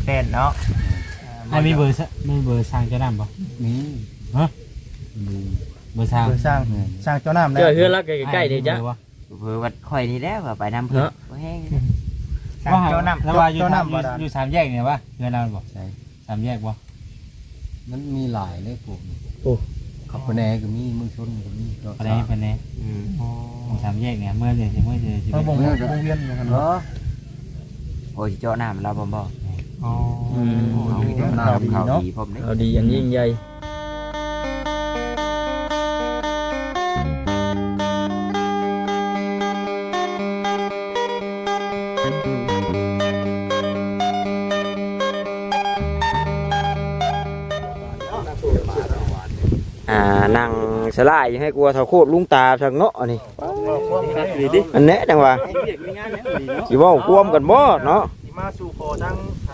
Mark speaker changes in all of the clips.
Speaker 1: เต้นเนาะ
Speaker 2: มีเบอร์สร้างเจ้าน้ำป่ะ
Speaker 3: มี
Speaker 2: ฮะเบอร์สร้าง
Speaker 1: สร้างเจ้าน้ำ
Speaker 4: เจอเฮือนแล้วใกล้ๆนี่จ้ะ
Speaker 5: เผื่อวัดข่อยนี่แล้วไปน้ำเพื่อแห้ง
Speaker 1: สร้างเจ้าน้ำ
Speaker 2: แล้วว่าอยู่สามแยกเนี่ยวะเฮือนเราบอกใช่สามแยกป่ะ
Speaker 3: มันมีหลายเลยพวกขับปะแนก็มีเมืองชนก็มี
Speaker 2: อะไรปะแนสามแยกเนี่ยเมื่อเดือนเมื่อ
Speaker 1: วงเวียนนะครับเนาะ
Speaker 5: โอ้ยเจ้าน้ำเราบ่
Speaker 1: อ๋อ
Speaker 5: เขาดีผม
Speaker 4: เอาดีอย่างยิ่งใหญ่นั่งสลายยังให้กลัวเท่าโคตรลุงตาทางเนาะนี่อันนี้จังว่าสิว่าควมกันบ่เนาะ
Speaker 1: มาสู่โคทั้ง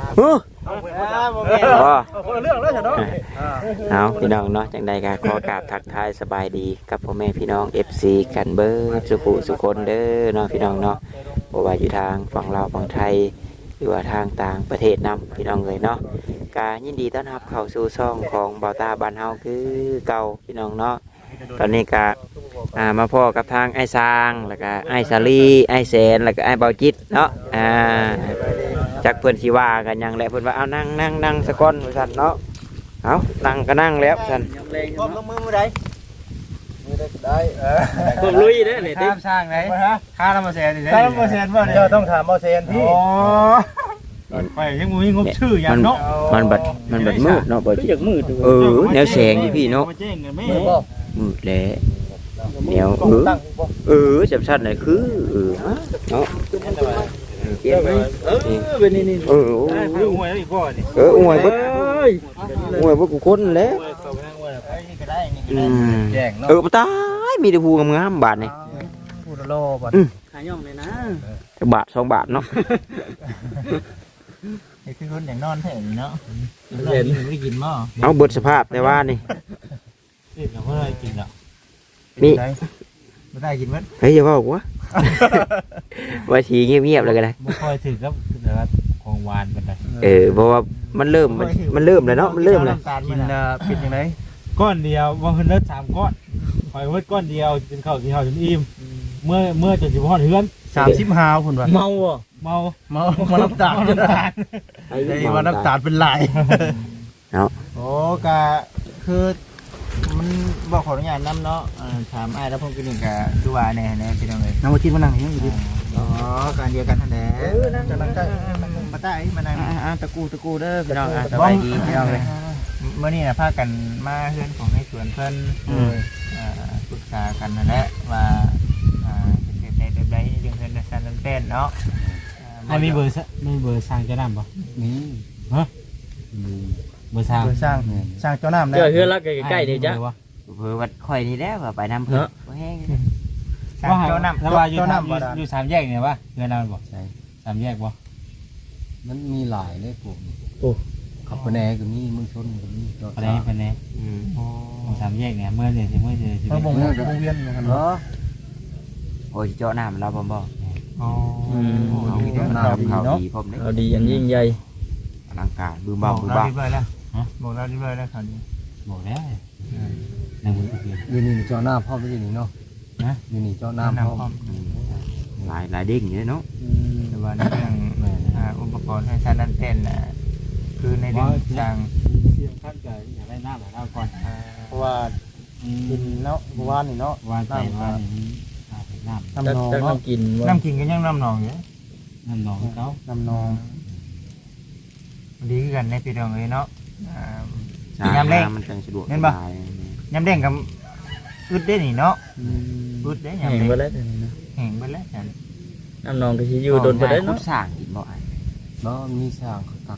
Speaker 4: เรื่องแล้วเนาะเอาพี่น้องเนาะจังใดก็ขอกราบทักทายสบายดีกับพ่อแม่พี่น้อง FC กันเบิดสุคนเด้อเนาะพี่น้องเนาะบ่ว่าอยู่ทางฝั่งลาวฝั่งไทยหรือว่าทางต่างประเทศนำพี่น้องเลยเนาะกายินดีต้อนรับเข้าสู่ช่องของเบาตาบ้านเฮาคือเก่าพี่น้องเนาะตอนนี้ก็มาพ่อกับทางไอ้ซางแล้วก็ไอ้สาลีไอ้แสนแล้วก็ไอ้เบาจิตเนาะจักเพื่อนชีว่ากันยังแหละเพื่อนว่าเอานั่งสะก้อนสันเนาะเอานั่งก็นั่งแล้วสัน
Speaker 1: ก้มลงมือได้
Speaker 4: ก้มลุยเด้อเนี่ย
Speaker 2: ข้ามสร้างไหนข้าทำมาแสนนี่
Speaker 1: ข้าทำมาแสนว่าเดี๋ยวต้องถามมาแสนที่
Speaker 2: ไปยังมีงบชื่ออย่างเนาะ
Speaker 4: มันบัดมืดเนาะบัดมืดแนวแสงอยู่พี่เนาะมืดแล้วแนวจับชัดหน่อยคือเนาะเกี่ยวไหมเป็นนี่
Speaker 2: อวยอีกพ่อนี่
Speaker 4: อวยบ่กูคนแล้วปตายมีแต่ภูงามๆบาทนี่
Speaker 1: ภูโลบาท
Speaker 4: ขายย่องเลยนะบาท2 บาทเนาะ
Speaker 1: นี่คือคนอย่างนอนแท้เนาะเห็นไม่กินมั้ง
Speaker 4: เอาเบิดสภาพแต่ว่านี่
Speaker 2: เราไม่ได้กินหรอก
Speaker 4: มี
Speaker 1: ไม่ได้กินมั้ย
Speaker 4: เฮ้ยอย่าบอกว่าว่าทีเงียบๆเลยก็ได้
Speaker 2: ไม่ค่อยถึงครับแต่ว่าของหวานเป็นไร
Speaker 4: เพราะว่ามันเริ่มเลยเนาะมันเริ่มเลย
Speaker 1: กินเป็นยังไง
Speaker 2: ก้อนเดียวว่าเพิ่นเลิศ3 ก้อนปล่อยไว้ก้อนเดียวจนเข้าที่เฮาจนอิ่มเมื่อจนสิบ่ฮอดเฮือน
Speaker 1: 35พุ่นว่า
Speaker 2: เมาน้ำตาล
Speaker 1: ว่าน้ำตาลเป็นลาย
Speaker 4: เนาะ
Speaker 1: โอ้ก็คือมันบอกขออนุญาตน้ำเนาะถามไอ้แล้วผมกินหนึ่งกับดูว่าเนี่ยพี่น้องเลยน้ำมาคิดมานั่งอย่างนี้อยู่อ๋อการเดียวกันทันแดดจะนั่งใกล้มาใต้มานั่งตะกูเด้อพี่น้องสบายดีพี่น้องเลยเมื่อนี้นะพากันมาเพื่อนของให้ชวนเพื่อนปรึกษากันนั่นแหละว่าเป็นในแบบใดเรื่องเพื่อนในชั้นนั้นเป็นเนาะ
Speaker 2: มีเบอร์สร้างเจ้าน้ำป่ะ
Speaker 3: มี
Speaker 2: ฮะเบอร์สร้าง
Speaker 1: เจ้าน้ำ
Speaker 4: เจอเฮือนแล้วใกล้ๆนี่จ้ะ
Speaker 5: เผื่อวัดข่อยนี่แล้วไปน้ำเพื่อแห้ง
Speaker 2: เจ้าน้ำแล้วว่าอยู่สามแยกเนี่ยวะเฮือนเราบอกใช่สามแยกป่ะ
Speaker 3: มันมีหลายเลยพวกขับปะแนก็มีเมืองชนก็มี
Speaker 2: อะไรปะแนสามแยกเนี่ยเมื่อเดือนวงเ
Speaker 1: วียนนะครับเนาะ
Speaker 5: โอ้ยเจ้าน้ำเราบ่
Speaker 4: เขาดีผมเอาดีอย่างยิ่งใหญ่
Speaker 5: อลังการบืมบ้า
Speaker 1: บอกเราดีแล้วครับ
Speaker 2: บอกแล้ว
Speaker 3: อยู่นี่เจ้าหน้าพ่อไม่ใช่นี่เนาะอยู่นี่เจ้าหน้าพ่อ
Speaker 5: หลายเด้งอย่างนี้เนาะ
Speaker 1: แต่ว่าในเรื่องอุปกรณ์ให้ท่านนั่นเต้นคือในเรื่องต่าง
Speaker 2: เสียงท่านเกิดอยากได้น้ำก่อน
Speaker 1: เพราะว่ากินเนาะเพราะว่านี่เนาะ
Speaker 2: ว่าใจว่า
Speaker 1: น้ำนองน้ำกินก็ยังน้ำนองอยู่
Speaker 2: น้ำนองเขา
Speaker 1: น้ำนองดีกันในปีเดียวเลยเนาะ
Speaker 5: ยำเด้งมันสะดวก
Speaker 1: เห็นปะยำเด้งกับอึดได้หนิเนาะอึดได้ยำเด้งแห้งไปแล้ว
Speaker 4: น้ำนองก็ชิอยู่โดนไปได้เนาะ
Speaker 5: สั่งกินบ่อย
Speaker 3: เนาะมีสั่งตัก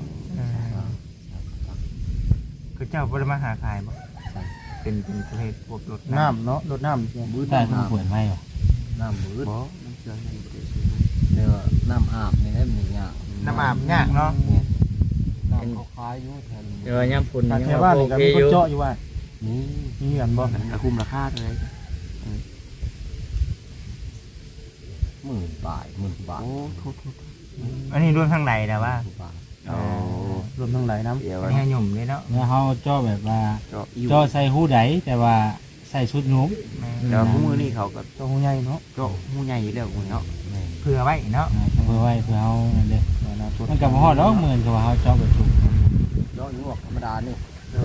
Speaker 1: คือเจ้าบริมาหาขายบ่เป็นประเภทพวกรถน้ำเนาะรถน้ำ
Speaker 2: บื้อแต่ต้องเปิดไม่หรอ
Speaker 3: น้ำบื้อเดี๋ยวน้ำอาบนี่ได้เหมือนอย่าง
Speaker 1: น้ำอาบยากเนาะ
Speaker 3: น้ำเขาคล้ายอยู่แทน
Speaker 4: เดี๋ยวย่ำฝุ่น
Speaker 1: แค่ว่านี่ก็มีคนเจาะอยู่ว่านี่กันบ่
Speaker 5: คุ้มราคาเลย
Speaker 3: 10,000 บาทโอ้
Speaker 1: อันนี้รวมข้างในนะว่า
Speaker 3: รวมทั้งหลายน้ำ
Speaker 5: เดี๋ยว
Speaker 1: อันนี้หยุ่มเลยเนาะ
Speaker 2: แล้วเฮาเจาะแบบว่า
Speaker 5: เจาะอิ่ว
Speaker 2: เจาะใส่หูใดแต่ว่าใส่ชุดหนุ่ม
Speaker 5: แต่ว่าผู้มือนี่เขาก็
Speaker 3: เจ้าหูใหญ่เนาะ
Speaker 5: เจาะหูใหญ่อยู่แล้วเนาะ
Speaker 1: เผื่อไว้เนาะ
Speaker 2: เพื่อไว้เพื่อเฮานั่นเด้มันก็บ่ฮอดดอกเหมือนกับว่าเฮาเจาะแบบถูก
Speaker 3: เจาะอยู่ออกธรรมดานี่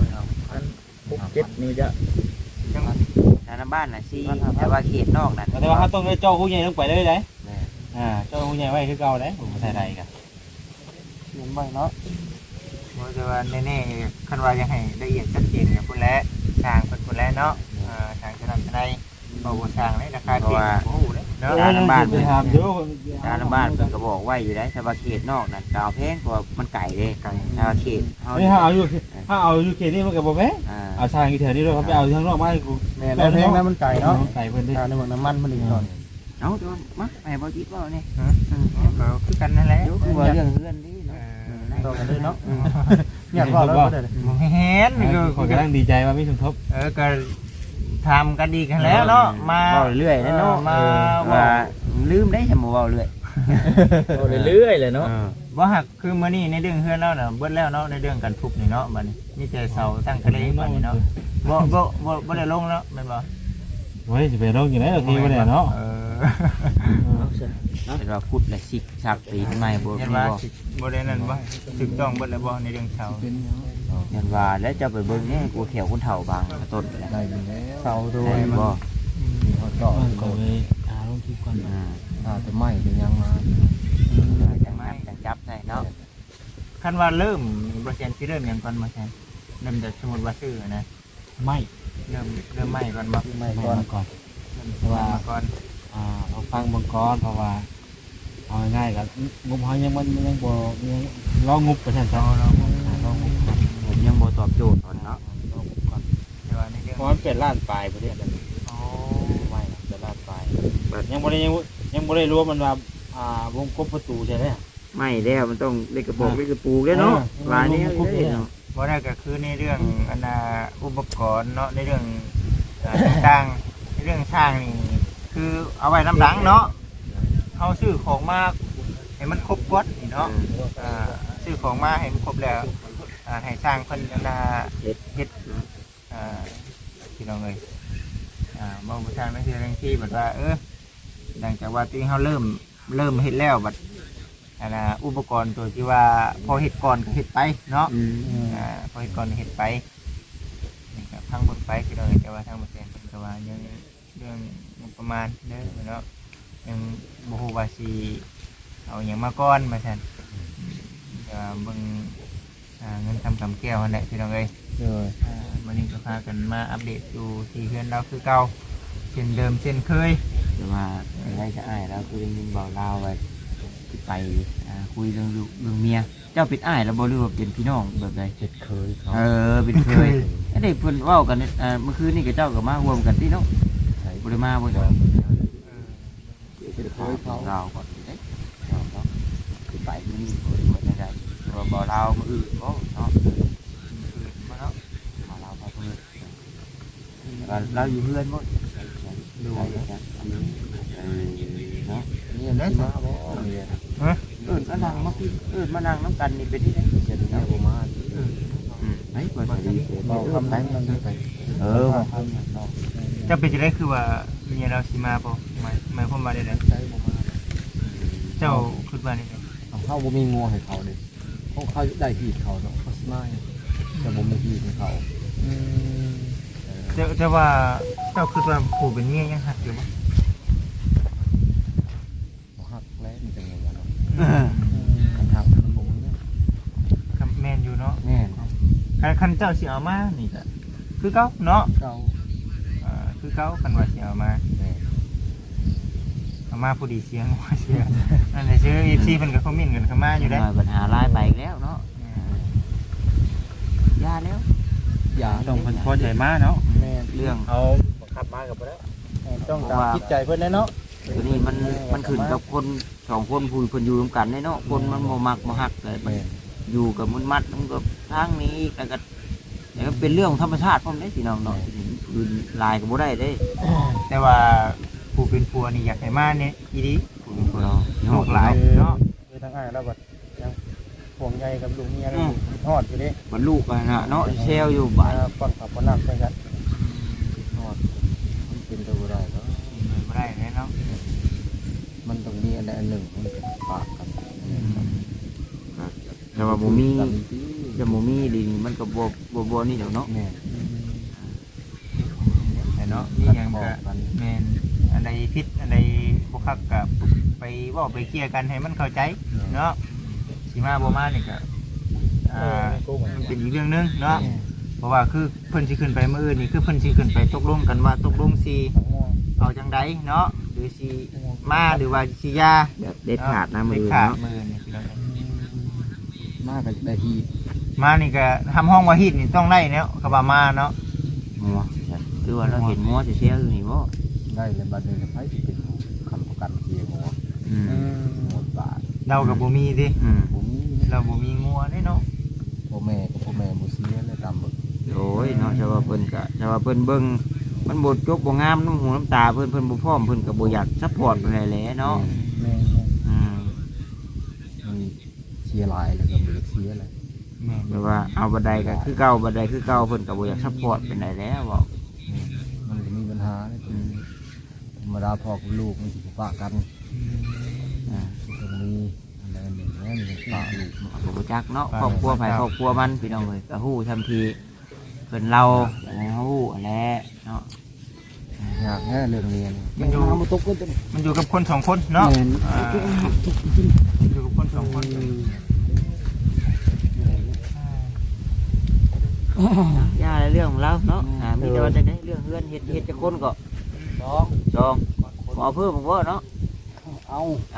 Speaker 1: 7นี่จะ
Speaker 5: ทางบ้านน่ะสิแต่ว่าเขตนอกนั่น
Speaker 2: แต่ว่าเฮาต้องได้เจาะหูใหญ่ลงไปเลยได้เจาะหูใหญ่ไว้คือเก่าได้ผมบ่ใส่ใดก็
Speaker 3: เห็นบ่เนาะ
Speaker 1: บ่จะว่าแน่ๆคันว่ายังให้ละเอียดชัดเจนกับพุ่นแล้วสร้างเพิ่นพุ่นแล้วเนาะทางจะนำจะได้บ่สร้างเลยราคาเก่งโอ้โหเนาะ
Speaker 2: ทางบ้านไปถามอยู่
Speaker 5: ทางบ้านเพิ่นก็บอกไว้อยู่ได้แต่ว่าเขตนอกนั่นก็เอาแพงกว่ามันไก่เด้ไก่เขตเฮา
Speaker 2: เฮ้ยถ้าเอาอยู่เขตนี้มันก็บ่แพงเอาทางอยู่แถวนี้ด้วยเขาไปเอาทางนอกมาให้กู
Speaker 3: แม่แล้วเพลงนั้นมันไก่เนาะ
Speaker 2: ไก่เพิ่นดิ
Speaker 3: ทางในเมืองน้ำมันมันอีกหน่อย
Speaker 5: เอาตัวมาแม่บ่คิดว่านี่
Speaker 1: ก็คือกันนั่นแหละ
Speaker 5: เดี๋ยวคือว่าเรื่องเฮือนนี่เนาะ
Speaker 3: ต่อกันเลยเนาะอยากว่าแล้วก็ได้
Speaker 1: บ่เห็น
Speaker 2: คนกำลังดีใจว่ามีสมทบ
Speaker 1: ก็ทำกันดีกันแล้วเนาะมา
Speaker 5: เว้าเรื่อยนะเนาะ
Speaker 1: มา
Speaker 5: ว่าลืมได้จะบ่เว้าเรื่อย
Speaker 1: เรื่อยๆเลยเนาะว่าหักคือมื้อนี้ในเรื่องเฮือนเราน่ะเบิดแล้วเนาะในเรื่องการทุบนี่เนาะบัดนี้มีแต่เสาตั้งทะเลบัดนี้เนาะบ่ได้ลงแล้วแม่นบ่
Speaker 2: เฮ้ยสิไปลงอยู่ไหนโอเคบ่ได้เนาะ
Speaker 5: เป็นว่าพุดและสิกสักปีทำไมบ่
Speaker 1: ยัน
Speaker 5: มี
Speaker 1: ว่า
Speaker 5: บ่
Speaker 1: บ่ได้นั่นบ่ถูกต้องเบิดแล้วบ่ในเรื่องเสา
Speaker 5: ยันว่าแล้วจะไปเบิ่งนี่กูเขียวคนเฒ่าบางต้นแล้ว
Speaker 3: ได้อยู่แล้วเสาโดย
Speaker 5: ได้
Speaker 3: มัน
Speaker 5: บ่
Speaker 3: มีเขาเจาะ
Speaker 2: ก็เลยลงคลิปก่อน
Speaker 3: แต่ไม่เป็นยังมา
Speaker 5: จังจับได้เนาะ
Speaker 1: คันว่าเริ่มบ่แซ่นสิเริ่มหยังก่อนบ่แซ่นเริ่มจากสมมุติว่าชื่อนะ
Speaker 2: ไม่
Speaker 1: เริ่มใหม่ก่อนบ่
Speaker 3: ไม่
Speaker 2: ไม่
Speaker 3: ก่อน
Speaker 2: ก่อน
Speaker 1: ว่าก่อน
Speaker 2: เราฟังเบิ่งก่อนเพราะว่าเอาง่ายๆกับงบเฮายังมันยังบ่ยังรองบประชาชนรองบ
Speaker 5: ผมยังบ่ตอบโจทย์ตอนเนาะ
Speaker 1: แต่ว่าในเรื่อง
Speaker 2: เพราะมันเป็นล้านปลายประเทศนั้น
Speaker 1: อ๋อ
Speaker 2: ไม่เป็นล้านปลายยังบ่ได้รวมมันว่าวงกบประตูใช่ไหม
Speaker 5: ไม่แล้วมันต้องเล็กกระบอกเล็กกระปูแล้วเนาะลายนี้เนาะ
Speaker 1: บ่ได้ก็คือในเรื่องอันน่ะอุปกรณ์เนาะในเรื่องต่างๆในเรื่องช่างนี่คือเอาไว้น้ำหลังเนาะเฮาซื้อของมาให้มันครบกวดนี่เนาะซื้อของมาให้มันครบแล้วให้สร้างเพิ่นอันน่ะเฮ็ดพี่น้องเอ้ยบ่บ่ทางนั่นคือเรื่องที่แบบว่าหลังจากว่าที่เฮาเริ่มเฮ็ดแล้วบัดอันน่ะอุปกรณ์ตัวที่ว่าพอเฮ็ดก่อนก็เฮ็ดไปเนาะพอเฮ็ดก่อนก็เฮ็ดไปนี่ก็พังเบิ่งไปพี่น้องเอ้ยแต่ว่าทางบ่แซ่นเพิ่นก็ว่ายังเรื่องงบประมาณเด้อเนาะยังบ่ฮู้ว่าสิเอาหยังมาก่อนว่าซั่นแต่ว่าเบิ่งเงินทำกำแก้วนั่นแหละพี่น้องเอ้ยวันนี้ก็พากันมาอัปเดตอยู่ที่เพื่อนเราคือเก่าเช่นเดิมเช่นเคย
Speaker 5: แต่ว่าได้จะอ้ายแล้วคือได้ยินเบาลาวไว้ไปคุยเรื่องลูกเรื่องเมียเจ้าเป็นอ้ายแล้วบ่หรือว่าเป็นพี่น้องแบบใด
Speaker 3: เจ็ดเคยเขา
Speaker 5: เป็นเคยไอ้เด็กเพิ่นเว้ากันเมื่อคืนนี่กับเจ้าก็มารวมกันที่เนาะบ่ได้มาบ่จ้ะ
Speaker 3: เป็นเคยเขา
Speaker 5: เราก่อนเด้เนาะคือไปมื้อนี้บ่ได้ว่าบ่ลาวมื้ออื่นบ่เนาะบ่เนาะลาวไปมื้อเราอยู่เฮือนบ่ดูเนาะ
Speaker 3: นี่นะมาบ่เนี่ย
Speaker 5: มานั่งมาพี่มานั่งน้ำกันนี่เป็นที่ไหน
Speaker 3: เจ็ดเนี่ยประมาณ
Speaker 5: ไหนเปิดดี
Speaker 3: เราทำไหนมันไป
Speaker 1: จะเป็นจะได้คือว่าเมียเราสิมาบ่หมายความว่าได้ได
Speaker 3: ใช้ประมาณ
Speaker 1: เจ้าคิดว่าได้ได
Speaker 3: เขาบ่มีงัวให้เขาเลยเขาได้ที่เขาเนาะเขาสมัยแต่บ่มีที่ให้เขา
Speaker 1: แต่ว่าเจ้าคิดว่าผู้เป็นเมียยังหักอยู่บ่
Speaker 3: หักแล้วมันจะไงวะเนาะคันหักมันบ่มีเนี่ย
Speaker 1: ครับแม่นอยู่เนาะ
Speaker 5: แม่
Speaker 1: คันเจ้าสิเอามานี่ก็คือเก่าเนาะ
Speaker 3: เก่า
Speaker 1: คือเก่าคันว่าสิเอามาเอามาผู้ดีเสียงว่าเสียนั่นแหละชื่อ FC เพิ่นก็คอมเมนต์กันเข้ามาอยู่ได้
Speaker 5: ปัญหาลายไปแล้วเนาะยาแล้ว
Speaker 3: อย่า
Speaker 2: ต้องเพิ่นพอใจมากเนาะ
Speaker 3: แม่
Speaker 5: เรื่อง
Speaker 2: เอาบังคับมากับบ่ได้
Speaker 3: ต้องตามจิตใจเพิ่นเลยเนาะ
Speaker 5: ตัวนี้มันขึ้นกับคนสองคนผู้คนอยู่ร่วมกันเนาะคนมันบ่มักบ่ฮักเลยมันอยู่กับมันมัดมันก็ทางนี้แล้วก็เป็นเรื่องธรรมชาติพร้อมได้พี่น้องเนาะอื่นลายก็บ่ได้เด้
Speaker 1: แต่ว่าผู้เป็นผัวนี่อยากให้มาเนี่ยอีดีผู้เป็นผัว
Speaker 5: เนาะ
Speaker 1: โหดหลายเนาะ
Speaker 3: คือทั้งอ้ายแล้วบัดยังห่วงองใหญ่กับลูกเมียนี่ทอดอยู่เด้
Speaker 5: บรรลุกันนะเนาะเซลอยู่บ้าน
Speaker 3: ป้อนข้าวป้อนน้ำไปกันทอดมันเป็นตัวได้เนาะ
Speaker 1: ไม่ได้เลยเนาะ
Speaker 3: มันต้องมีอันใดอันหนึ่งมันเป็นปากกัน
Speaker 5: แต่ว่าบ่มีจะบ่มีดีมันก็บ่นี่เดี๋ยวเนาะ
Speaker 3: แม่
Speaker 1: แต่เนาะนี่ยังก็แม่นอันใดผิดอันใดบ่คักก็ไปเว้าไปเคลียร์กันให้มันเข้าใจเนาะสิมาบ่มานี่ก็มันเป็นอีกเรื่องนึงเนาะเพราะว่าคือเพิ่นสิขึ้นไปมื้ออื่นนี่คือเพิ่นสิขึ้นไปตกลงกันว่าตกลงสิเอาจังไดเนาะหรือสิมาหรือว่าสิยา
Speaker 5: แบบเด็ดขาดนะมื
Speaker 1: เด็
Speaker 5: อ
Speaker 1: ดขาด
Speaker 5: เนาะ
Speaker 1: มื้อนี่พี่น้อง
Speaker 3: มากกับได้ที
Speaker 1: มานี่ก็ทำห้องว่าฮีดนี่ต้องได้เนาะก็ว่ามาเนาะ
Speaker 5: งัวคือว่าเราเห็นงัวจะเซลอยู่นี่บ่
Speaker 3: ได้เลยบัดนี้ไผสิเป็นคำประกันเสียงหัว
Speaker 5: อืม
Speaker 3: หมดบาท
Speaker 1: เราก็บ่มีติ
Speaker 3: ผมมี
Speaker 1: เราบ่มีงัวเด้เนาะ
Speaker 3: พ่อแม่กับพ่อแม่บ่เสียเลยตามเบิก
Speaker 5: โอ้ยเนาะชาวาเพิ่นก็ชาวาเพิ่นเบิ่งมันบ่จบบ่งามน้ำหูน้ำตาเพิ่นบ่พร้อมเพิ่นก็บ่อยากซัพพอร์ตปานใดแหละเนาะ
Speaker 3: แม่
Speaker 5: อืม
Speaker 3: มันเสียหลายแล้วก็บ่ได้เสียเลย
Speaker 1: แม่น
Speaker 5: แปลว่าเอาบันไดก็คือเก่าบันไดคือเก่าเพิ่นก็บ่อยากซัพพอร์ตปานใดแล้วบอก
Speaker 3: มันก็มีปัญหาเลยธรรมดาพ่อกับลูกมันสิปะกัน
Speaker 5: อ่า
Speaker 3: ตรงนี้อะไรหนึ่งแล้วมันปะลูก
Speaker 5: ผมรู้จักเนาะครอบครัวไผครอบครัวมันพี่น้องเอ้ยก็ฮู้ทันทีเพิ่นเราแล้วฮู้แหละเนาะ
Speaker 3: อยากแค่เรื่องเรียน
Speaker 1: มันอยู่กับคนสองคนเนาะอยู่กับคนสองคน
Speaker 5: ย่าเรื่องของเราเนาะมีแต่ว่าจังได๋เรื่องเฮือนเฮ็ดจักคนก็สองบ่เพิ่มบ่เนาะเอา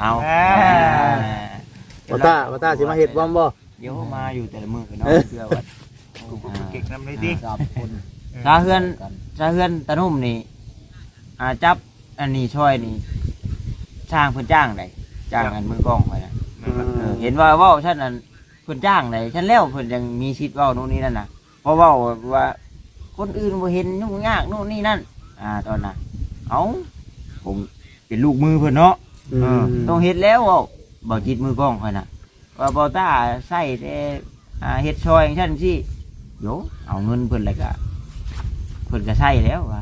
Speaker 2: บ่ตาสิมาเฮ็ดบ่บ่
Speaker 5: เดี๋ยวมาอยู่แต่ละมื้อเนาะเพื่อว่า
Speaker 1: เก่งนำเลยดิ
Speaker 3: จับคน
Speaker 5: ถ้าเฮือนตะนุ่มนี่จับอันนี้ช่วยนี่ช่างเพิ่นจ้างได้จ้างอันมือกล้องไว้นะเห็นว่าเว้าฉันนั่นเพิ่นจ้างได้ฉันแล้วเพิ่นยังมีสิทธิ์เว้าโน่นนี่นั่นน่ะเพราะเว้าว่าคนอื่นบ่เห็นยุ่งยากโน่นนี่นั่นตอนน่ะเอ้าผมเป็นลูกมือเพิ่นเนาะต้องเฮ็ดแล้วเว้าบ่จิตมือกล้องค่อยน่ะว่าบ่ตาใส่แต่เฮ็ดช่วยจังซั่นสิโยเอาเงินเพิ่นแล้วก็เพิ่นก็ใช้แล้วว่า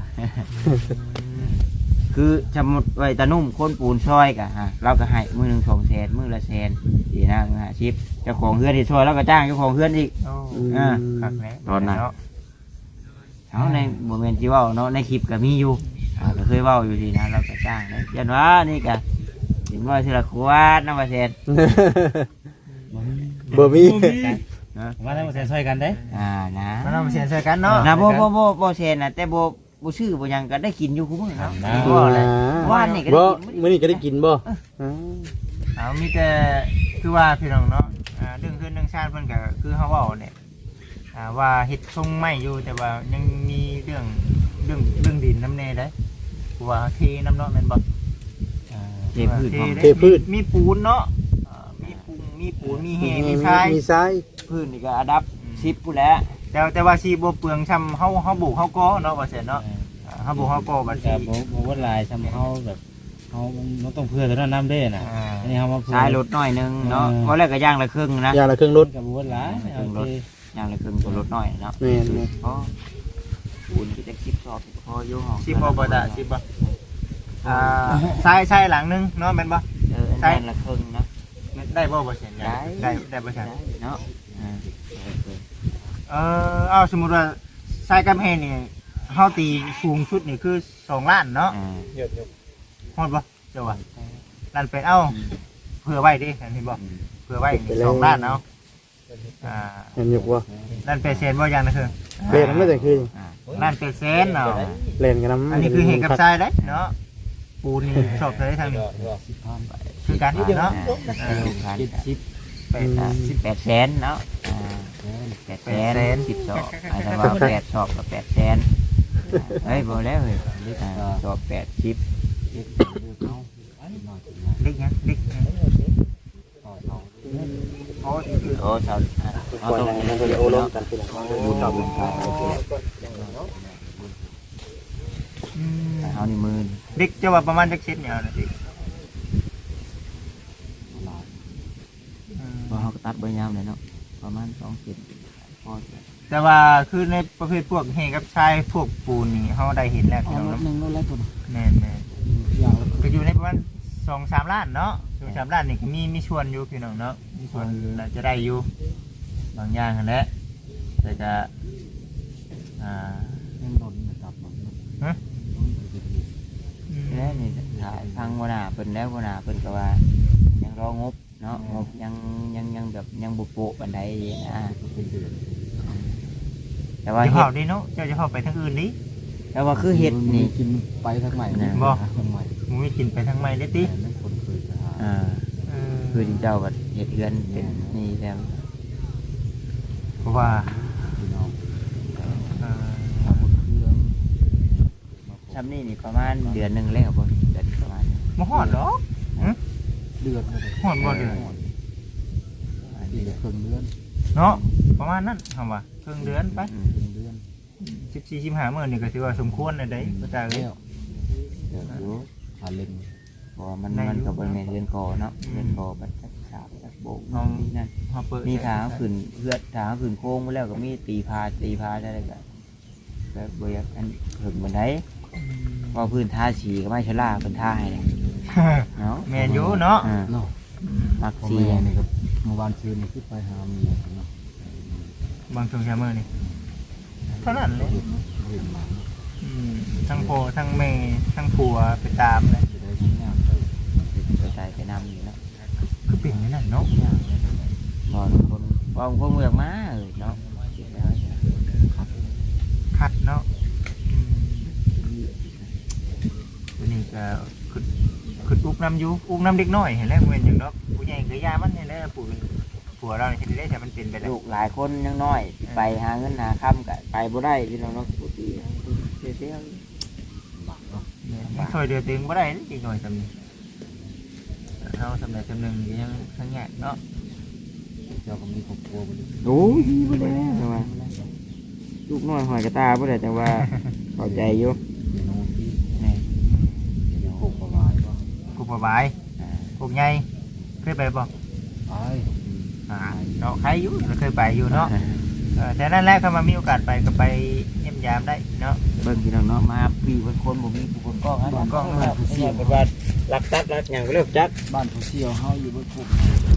Speaker 5: คือสมมติไว้ตะนุ่มคนปูนซอยกะเราก็ให้มือหนึ่ง200,000มือละ100,000ดีนะ50เจ้าของเฮือนที่ซอยเราก็จ้างเจ้าของเฮือนอีก
Speaker 1: คักแล้ว
Speaker 5: ตอนนั้นเขาในโมเมนต์ที่เว่าเนาะในคลิปก็มีอยู่ก็เคยเว้าอยู่ดีนะเราก็จ้างเลยยันว่านี่ก็เห็นว่าทีละขวดน้ำมาเซน
Speaker 2: บ่มี
Speaker 3: มาแล้วมาช่วยกันได้
Speaker 5: นะ
Speaker 1: มันเอามาเสียนใส่กันเนาะ
Speaker 5: นะโบเซนนะแต่โบชื่อโบยังก็ได้กินอยู่คุ้มเนาะ
Speaker 1: บ่เลย
Speaker 5: ว่านนี่ก็ได้
Speaker 2: บ่
Speaker 5: กิน
Speaker 2: มื้อนี้ก็ได้กินบ่
Speaker 1: เอามีแต่คือว่าพี่น้องเนาะเรื่องขึ้นเรื่องชาติเพิ่นก็คือเฮาเว้าเนี่ยว่าเฮ็ดทรงไม่อยู่แต่ว่ายังมีเรื่องดินน้ำแน่ได้ว่าเทน้ำเนาะแม่นบ่
Speaker 5: เทพืชพร้อม
Speaker 2: เทพืช
Speaker 1: มีปูนเนาะมีปูนมีแหมีทราย
Speaker 2: มีทราย
Speaker 5: พืชนี่ก็อันดับ10พู่นแหล้ว
Speaker 1: แต่ว่าสิบ่เปลืองช้ำเฮาบุกเฮาก่อเนาะว่าซั่นเนาะเฮาบุกเฮาก่อบัด
Speaker 3: แต่
Speaker 1: สิ
Speaker 3: บ่ว่าลายซ้ำเขาแบบเขามันต้องเพื่อแต่น้ำเด้น่ะอันนี้เขามาเพื่
Speaker 5: ทรายลดหน่อยนึงเนาะเพราะแรกก็ย่างละครึ่งนะ
Speaker 2: อย่างละเครื่องรถ
Speaker 3: กับบ่ว่าลาย
Speaker 5: ย่างละครึ่งตัวลดหน่อยเนาะ
Speaker 2: แม่น
Speaker 5: เพราะปูนก็จะ10 สอบพออยู่ห้อง
Speaker 1: สิบ่บ่ได้สิบ่ทรายหลังนึงเนาะแม่นบ่
Speaker 5: ใช่ละครึ่งเนาะ
Speaker 1: ได้บ่บ่ซั่นได้บ่ซั่น
Speaker 5: เนาะ
Speaker 1: เอาสมมุติว่าทรายกำแพงนี่เฮาตีสูงชุดนี่คือ2ล้านเนาะฮอดบ่เจ้าว่าล้านเป็นเผื่อไว้ดิอันนี้บ่เผื่อไว้2ล้านเอา
Speaker 2: เห็นอยู่บ่
Speaker 1: ล้านเป็นแสนบ่อย่างนะคือ
Speaker 2: เล่นมันจะคือ
Speaker 1: ล้านเป็นแสนเนาะ
Speaker 2: เล่นกันนำ
Speaker 1: อันนี้คือเหตุกับทรายเด้เนาะปูนนี่ชอบเลยทางนี้คือการเนาะ
Speaker 5: 18 แสนเนาะ8 แสน10 สอบถ้าว่า8 สอบก็8 แสนเฮ้ยบ่แล้วเฮ้ยสอบ80
Speaker 1: เล็กยังเล็กโอ้
Speaker 5: โอ้สาวเอาตรงนี้เดี๋ยวเนาะบุญต่อบุญไปเอานี่มือ
Speaker 1: เด็กจะว่าประมาณจักเซนเนี่ยนะสิ
Speaker 5: เพราะเขาก็ตัดใบยาวเลยเนาะประมาณ2 เซนพอ
Speaker 1: แต่ว่าคือในประเภทพวกเฮกับชายพวกปูนนี่เขาได้เห็นแล้วพี่น้อง
Speaker 2: รถ
Speaker 1: เนาะ
Speaker 2: หนึ่งรถแล้วตัว
Speaker 1: แม่น
Speaker 2: อย่างละ
Speaker 1: ๆก็อยู่ในประมาณ2-3 ล้านเนาะ2-3 ล้านนี่ก็มีชวนอยู่พี่น้องเนาะมีชวนน่าจะได้อยู่บางอย่างนั่นแหละแต่ก็
Speaker 2: ยังโดนนะครับ
Speaker 5: แล้วนี่ถ่ายฟังวนาเพิ่นแล้ววนาเพิ่นก็ว่ายังรองบเนาะงบยังแบบยังบุโปะบันไดนะแต่ว่า
Speaker 1: จะ
Speaker 5: เฮ็
Speaker 1: เข้า
Speaker 5: ด
Speaker 1: ดิเนาะเจ้าจะเข้าไปทางอื่นดิ
Speaker 5: แต่ว่าคือเฮ็ดนี่
Speaker 2: กินไปทางใหม่
Speaker 1: บ่
Speaker 2: ทางใหม่
Speaker 1: มึงไม่กินไปทางใหม่เลยติ
Speaker 2: แต่นั่นคนเคยจะหา
Speaker 5: คือที่เจ้าก็เฮ็ดเรือนเป็นนี่แล้ว
Speaker 1: เพราะว่า
Speaker 2: พี่น้อง
Speaker 1: เอ่อ
Speaker 2: ทำบนเครื่อง
Speaker 5: ซ้ำนี่นี่ประมาณเดือนหนึงแล้วบ่เดือนประมาณ
Speaker 1: บ่ฮอดหรอก
Speaker 2: เดือดเลย
Speaker 1: ฮอดบ่เดือน
Speaker 2: อีกครึ่งเดือน
Speaker 1: เนาะประมาณนั้นคำว่าครึ่งเดือนไป
Speaker 2: ครึ่งเดือน
Speaker 1: 14-15 มื้อนี่ก็ถือว่าสมควรแล้วได้บ่ตาเอ้ย
Speaker 2: แล้ว
Speaker 5: เดือนอยู่
Speaker 2: หาเล่น
Speaker 5: เพราะว่ามันก็บ่แม่นเรือนกอเนาะเรือนกอบัดจักฉาบจักโบก
Speaker 1: น้อง
Speaker 5: นี่นั่น
Speaker 1: เฮาเปิด
Speaker 5: มีทางขึ้นเพื่อทางขึ้นโค้งไปแล้วก็มีตีพาได้เลยก็แบบบริยากอันถึงบันไดพอพื้นท่าสีก็ไม่ชะล่าเป็นท่าให้เลยเนาะ
Speaker 1: แม่นอยู่เนาะ
Speaker 2: เนาะ
Speaker 5: มัก
Speaker 2: พ่อ
Speaker 5: สี
Speaker 2: แม่นี่ก็เมื่อวานคืนนี่ขึ้นไปหาเมียเนาะ
Speaker 1: บางช่วงเช้ามื้อนี่เท่านั้นเลย
Speaker 2: เห็นมา
Speaker 1: ทั้งพ่อทั้งแม่ทั้งผัวไปตามเลย
Speaker 2: จะได้งานไป
Speaker 5: กระจายไปนำอยู่เนาะ
Speaker 1: คือเป็นอย่างนั้นเนาะ
Speaker 5: พอคนพอคนเมืองมาเนาะ
Speaker 1: คัดเนาะตัวนี้ก็คืออุกน้ำอยู่อุกน้ำเด็กน้อยเห็นแล้วเหมือนอย่างเนาะผู้ใหญ่ก็ยามันเห็นแล้วผัวเราเนี่ยเห็นได้แต่มันเป็นไปแล้ว
Speaker 5: ลูกหลายคนยังน้อย ไปหาเงินหาค่ำก็ไปบ่ได้พี่น้องเนาะปกติเสีย
Speaker 2: หลักเนาะ
Speaker 1: ยังช่วยเดือดตึงบ่ได้อีกหน่อยสำนึกเราสำเร็จสำนึกยังทั้งแง่เนาะ
Speaker 2: เจ้าก็มีครอบครัวบ่ดี
Speaker 5: โอ้ยบ่ได้แต่ว่าลูกน้อยหอยกระตาบ่ได้แต่ว่าเข้าใจอยู่
Speaker 2: มีน้องที่
Speaker 5: นี่
Speaker 2: มีโคกประวายป่ะ
Speaker 1: กุบายกุบใหญ่เคยไปบ่
Speaker 2: ไป
Speaker 1: เนาะใครอยู่เคยไปอยู่เนาะแต่นั่นแหละถ้ามามีโอกาสไปก็ไปเยี่ยมยามได้เนาะ
Speaker 5: เบิ่งพี่น้องเนาะมาพี่เป็นคนบ่มีผู้คนกล้องฮะ
Speaker 1: กล้อง
Speaker 2: บ้านผู้เสี่ยว
Speaker 5: เป็นว่ารักตัดรักหยังก็เลิกจัก
Speaker 2: บ้านผู้เสี่ยวเฮาอยู่บนภู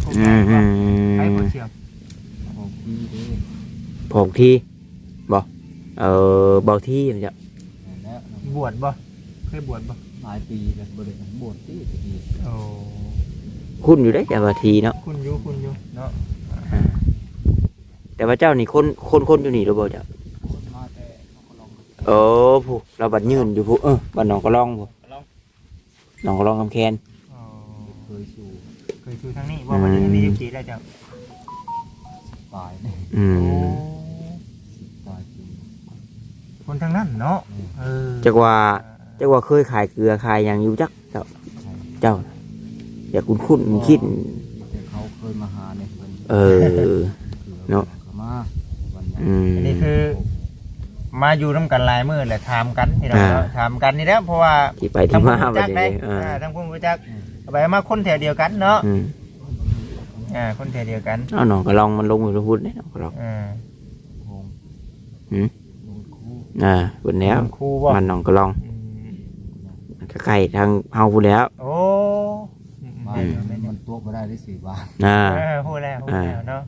Speaker 1: ใครผู้เชี่ยว
Speaker 2: ของพี่เด้
Speaker 4: ผมที่บ่เบาที่มันจะ
Speaker 2: แล้ว
Speaker 1: บวชบ่เคยบวชบ่
Speaker 2: หลายปีแล้วบ่ได้บวชที่ตะกี้
Speaker 1: โอ้
Speaker 4: คุ้นอยู่ได้แต่บาทีเนาะ
Speaker 1: คุณอยู่เนาะ
Speaker 4: แต่ว่าเจ้านี่คนอยู่นี่หรือเปล่าเจ้า
Speaker 2: คนมาแต่เขาก็ลอง
Speaker 4: ผู้เราบัดยืนอยู่ผู้บัดหนองกระลองผู้หนองกระลองคำแคน
Speaker 2: เคยสู่
Speaker 1: เคยชูทางนี้บ่วันนี้มีจีได้จ้ะ
Speaker 2: ปลายนี่
Speaker 4: อืม
Speaker 2: ปลายปี
Speaker 1: คนทางนั้นเนาะ
Speaker 4: จักว่าเคยขายเกลือขายอย่างอยู่จักเจ้าอย่าคุ้นคิด
Speaker 2: แต่เขาเคยมาหาในเพิ่น
Speaker 4: เนาะ
Speaker 2: เขามาวันนี้
Speaker 1: อันนี้คือ มาอยู่น้ำกันหลายมื้อแหละถามกันพี่น้องเนาะถามกันนี่แหละเพราะว่า
Speaker 4: ที่ไปที่มา
Speaker 1: ทั้ง
Speaker 4: แบบ
Speaker 1: ได้
Speaker 4: นี้
Speaker 1: ทั้งผู้รู้จักไปมาคนแถวเดียวกันเนาะ
Speaker 4: อืม
Speaker 1: คนแถวเดียวกัน
Speaker 4: เอาหนองกระลองมันลงอยู่พูดเนี่ยหนองกระลอง
Speaker 2: โฮง
Speaker 4: หืม
Speaker 2: ลงคู่
Speaker 4: บนแล้ว
Speaker 1: ครูบ่
Speaker 4: มันหนองกระลองมันก็ใกล้ทางเฮาพูดแล้ว
Speaker 1: โอ้
Speaker 2: บ้านมันตัวบ่ได้ได้4 บาท
Speaker 1: พูดแล้วเนาะ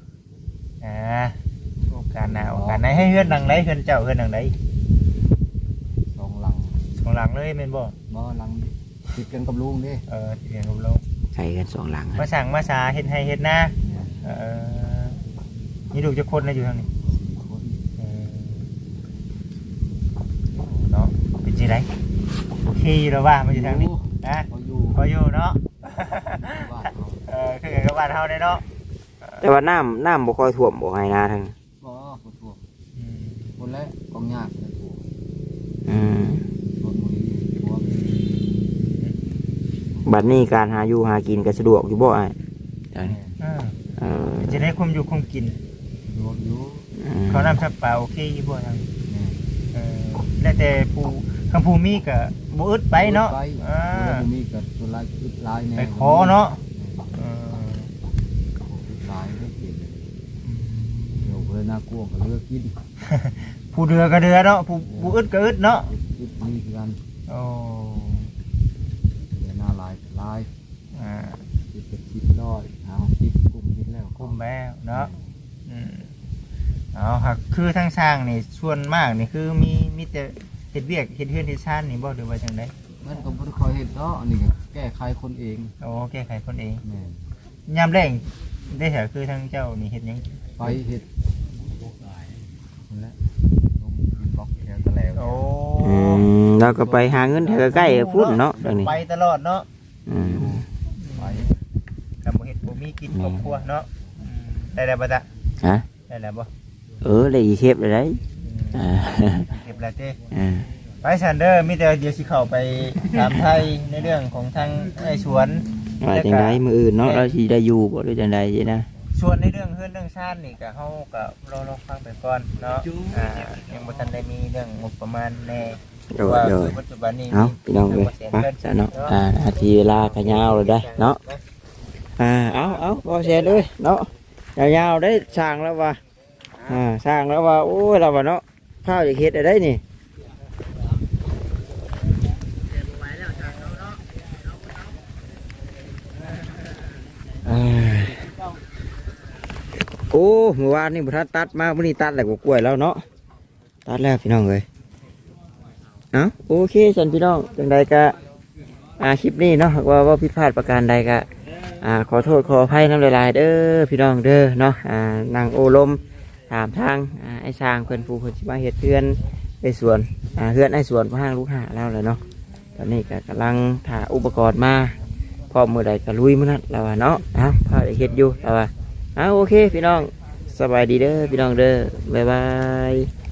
Speaker 1: โอกาสหน้าโอกาสไหนให้เฮือนหลังไหนเฮือนเจ้าเฮือนหลังไหน
Speaker 2: 2 หลัง
Speaker 1: ของหลังเลยแม่นบ่
Speaker 2: บ่หลังติดกันกับลุงเด้
Speaker 1: ที่เรียนกับเรา
Speaker 4: ใส่กัน2 หลัง
Speaker 1: มาสั่งมาสาเฮ็ดให้เฮ็ดหน้านี่ลูกจะคนนะอยู่ทางนี้
Speaker 2: คน
Speaker 1: เนาะเป็นจังไดโอเคอยู่แล้วว่ามาอยู่ทางนี้นะ
Speaker 2: พออยู่
Speaker 1: พออยู่เนาะ
Speaker 2: บ้านเขา
Speaker 1: คือกับบ้านเฮาได้เนาะ
Speaker 4: แต่ว่าน้ำบ่ค่อยท่วมบ่ให้นาทาง
Speaker 2: บ่คนทั่วคนแรกกองยากเลยทั่ว
Speaker 4: อืม
Speaker 2: คนมือทั่ว
Speaker 4: บัดนี้การหาอยู่หากินก็สะดวกอยู่บ่อ้ายเออ
Speaker 1: จะได้คุมอยู่คุมกิน
Speaker 2: รวมอยู่
Speaker 1: เขานำสับปลาโอเคอยู่บ่ทางแล้วแต่ผู้คำผู้มีก็บ่อึดไปเนาะ
Speaker 2: ตัวมีกับตัวลายอึดลายแน่
Speaker 1: ไปขอเนาะ
Speaker 2: ลาย
Speaker 3: น่ากลัวก็เลือกกิน
Speaker 1: ผู้เดือก็เดือเนาะผู้อึดก็อึดเนาะ
Speaker 3: กินนี่คือกัน
Speaker 1: โอ้
Speaker 3: เดือหน้าลายลาย
Speaker 1: อ่า
Speaker 3: คิดเป็นคิดร้อยเอาคิดกลุ่มคิดแล้ว
Speaker 1: คุมแล้วเนาะเอาหักคือทั้งสร้างนี่ส่วนมากนี่คือมีแต่เฮ็ดเวียกเฮ็ดเฮือนเฮ็ดชานนี่บ่หรือว่าจังได๋
Speaker 3: มันก็บ่ได้คอยเฮ็ดเนาะอันนี้ก็แก้ไขคนเอง
Speaker 1: โอ้แก้ไขคนเอง
Speaker 3: แม่น
Speaker 1: ยามแรงได้เหรอคือทั้งเจ้านี่เฮ็ดหยัง
Speaker 3: ไปเฮ็ดนั่นแหละลงดินบล็อกแถวตะแหลว
Speaker 1: โอ้
Speaker 4: เราก็ไปหาเงินแถวใกล้ๆพุ่นเนาะตรงนี้
Speaker 1: ไปตลอดเนาะ
Speaker 3: ไป
Speaker 1: กับบ่เฮ็ดบ่มีกินครอบครัวเนาะได้แล้วบ่ตะ
Speaker 4: ฮะ
Speaker 1: ได้แล้วบ่
Speaker 4: เลยอีเทปเลยได้อ่า
Speaker 1: เก็บแล้วเต้
Speaker 4: อ่า
Speaker 1: ไปซันเดอร์มีแต่เดี๋ยวสิเข้าไปถามไทยในเรื่องของทางไอ้สวน
Speaker 4: ว่าจังไดมื้ออื่นเนาะเราสิได้อยู่บ่หรือจังไดสินะ
Speaker 1: ส่วนในเรื่องเฮือนเรื่องชาตินี่ก็เฮาก็รอฟังไปก่อนเนาะยังบ่ทันได้มีเรื่องงบประมาณแน่
Speaker 4: โดย
Speaker 1: ว่า
Speaker 4: โดย
Speaker 1: ปัจจุบันนี้
Speaker 4: เอาพี่น้องเลยมาจ้ะเนาะนาทีเวลาก็ยาวเลยได้เนาะเอาบ่แชร์เลยเนาะยาวๆได้สร้างแล้วว่าสร้างแล้วว่าโอ้ยเราว่าเนาะข้าวจะเฮ็ดได้นี่โอ้เมื่อวานนี่บ่ทันตัดมามื้อนี้ตัดแล้วก็กล้วยแล้วเนาะตัดแล้วพี่น้องเอ้ยเอาโอเคฉันพี่น้องจังใดก็คลิปนี้เนาะว่าผิดพลาดประการใดก็ขอโทษขออภัยน้ำลายๆเด้อพี่น้องเด้อเนาะนางโอลมถามทางไอ้ช้างเพิ่นผู้เพิ่นสิมาเฮ็ดเฮือนในสวนเฮือนไอ้สวนพ่อห้างลูกหาแล้วแหละเนาะตอนนี้ก็กำลังถ่าอุปกรณ์มาพร้อมมื้อใดก็ลุยมื้อนั้นแล้วว่าเนาะพาได้เฮ็ดอยู่แล้วว่าโอเคพี่น้องสบายดีเด้อพี่น้องเด้อบ๊ายบาย